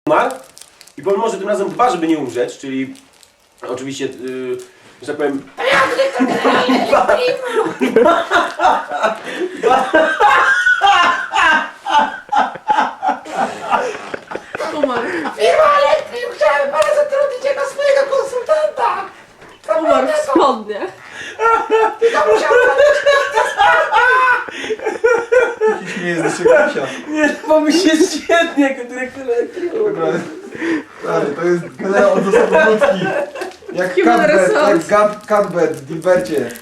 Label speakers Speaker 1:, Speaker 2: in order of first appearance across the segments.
Speaker 1: umarł i pomimo, że tym razem dba, żeby nie umrzeć, czyli oczywiście, że tak powiem...
Speaker 2: Umarł.
Speaker 3: Firma Elektryk, chciałem pana zatrudnić jako swojego konsultanta.
Speaker 2: Umarł w spodniach.
Speaker 3: To musiał pan...
Speaker 4: Nie jest jeszcze Kasia.
Speaker 1: Nie, bo mi się świetnie jako dyrektor elektryku.
Speaker 4: Stary, to jest generał od zasobów ludzkich. Jak
Speaker 2: Human
Speaker 4: Cuthbert,
Speaker 2: resource.
Speaker 4: jak Cuthbert w Dilbercie.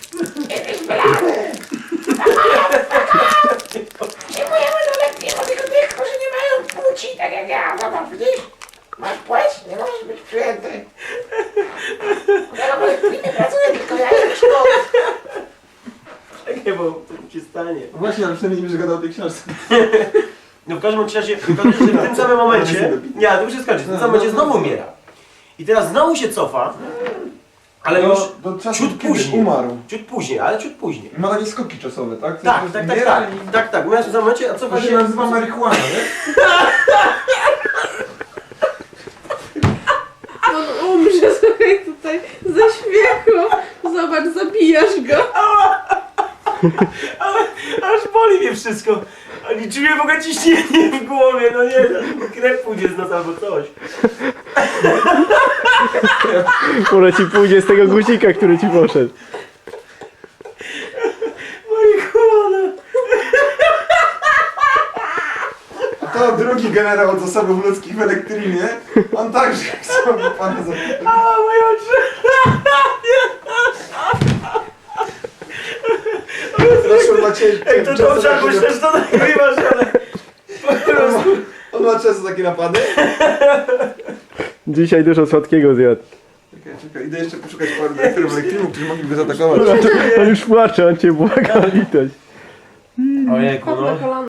Speaker 3: Przyjmujemy do elektryku tylko tych, którzy nie mają płci, tak jak ja. Zobacz, widzisz? Masz płeć? Nie możesz być przyjęty. Ja w elektryku pracuję, tylko ja jestem szkoły.
Speaker 1: Czekaj, bo to się stanie.
Speaker 4: No właśnie, ale przynajmniej nie gadał o tej książce.
Speaker 1: No w każdym razie, że w tym samym momencie... Nie, to już się skończy. W tym samym momencie znowu umiera. I teraz znowu się cofa, ale już
Speaker 4: do czasu,
Speaker 1: ciut
Speaker 4: kiedy
Speaker 1: później.
Speaker 4: umarł.
Speaker 1: Ciut później, ale ciut później.
Speaker 4: Ma takie skoki czasowe, tak?
Speaker 1: Tak. Tak. Umiera w tym samym momencie, a
Speaker 4: To
Speaker 1: cofa
Speaker 4: się
Speaker 1: się...
Speaker 4: nazywa marihuana, nie?
Speaker 2: On umrze, słuchaj, tutaj ze śmiechu. Zobacz, zabijasz go.
Speaker 1: Aż boli mnie wszystko. Ani czuję w ogóle ciśnienie w głowie, no nie, krew pójdzie z nas albo coś.
Speaker 5: Może ci pójdzie z tego guzika, który ci poszedł.
Speaker 1: Marihuana.
Speaker 4: A to drugi generał od zasobów ludzkich w Elektrynie. On także chciałby pana zapytać.
Speaker 1: A, moje oczy.
Speaker 4: Zresztą macie...
Speaker 1: Ej, to dobrze, jak myślę, że to nagrywasz, ale... Po prostu...
Speaker 4: On ma często takie napady?
Speaker 5: Dzisiaj dużo słodkiego zjadł.
Speaker 4: Czekaj, idę jeszcze poszukać paru dyrektorów Elektrynu, którzy mogliby zaatakować.
Speaker 5: On już płacze, on cię błaga, litość.
Speaker 1: Ojejku,
Speaker 2: Padł na
Speaker 1: no.
Speaker 2: kolana.